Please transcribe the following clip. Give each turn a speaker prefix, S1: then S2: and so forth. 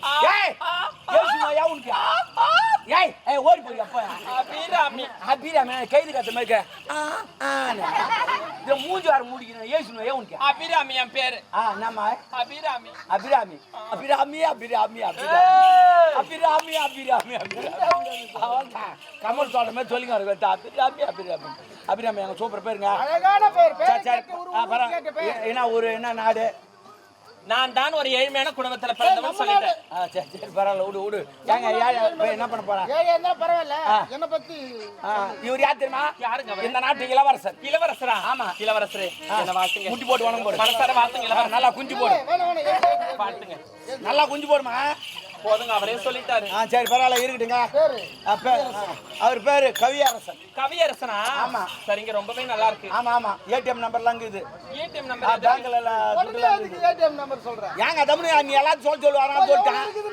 S1: ஏய் ஏசுமா யாவுன்க்கு ஏய் ஓடி போய் அப்பா அபிராமி கைது கத்த மாதிரி இந்த மூஞ்சி வார மூடிக்கணும் ஏசுமா யாவுன்க்கு
S2: அபிராமி என் பேரு
S1: நம்ம
S2: அபிராமி
S1: அபிராமி அபிராமி அபிராமி அபிராமி அபிராமி அபிராமி கமல் சொல்ற மாதிரி சொல்லிங்க அபிராமி அபிராமி அபிராமி எங்க சூப்பர் பேருங்க
S3: அழகான பேர்
S1: என்ன ஒரு என்ன நாடு
S2: நான் தான் ஒரு ஏழ்மையான குடும்பத்துல பிறந்தவன் சொல்லிட்டேன்
S1: சரி சரி பரவாயில்ல விடு விடு ஏங்க என்ன பண்ண போறா
S3: என்ன பரவாயில்ல என்ன பத்தி
S1: இவர் யார் தெரியுமா
S2: யாருங்க
S1: இந்த நாட்டு இளவரசர்
S2: இளவரசரா
S1: ஆமா
S2: இளவரசரே என்ன வாழ்த்துங்க
S1: குஞ்சு போட்டு வணங்க போடு
S2: மனசார வாழ்த்துங்க இளவரசர்
S1: நல்லா குஞ்சு போடு
S2: வாழ்த்துங்க
S1: நல்லா குஞ்சு போடுமா
S2: போதுங்க அவரே சொல்லிட்டாரு
S1: சரி பரவாயில்ல இருக்கட்டுங்க அவர் பேரு கவியரசன்
S2: கவியரசனா
S1: ஆமா
S2: சரிங்க ரொம்பவே நல்லா இருக்கு
S1: ஆமா ஆமா ஏடிஎம் நம்பர்லாம் இருக்குது
S2: ஏடிஎம் நம்பர்
S1: பேங்க்ல
S3: ஏடிஎம் நம்பர் சொல்றேன்
S1: ஏங்க தமிழ் நீ எல்லாத்தையும் சொல்லுவாங்க சொல்லிட்டேன்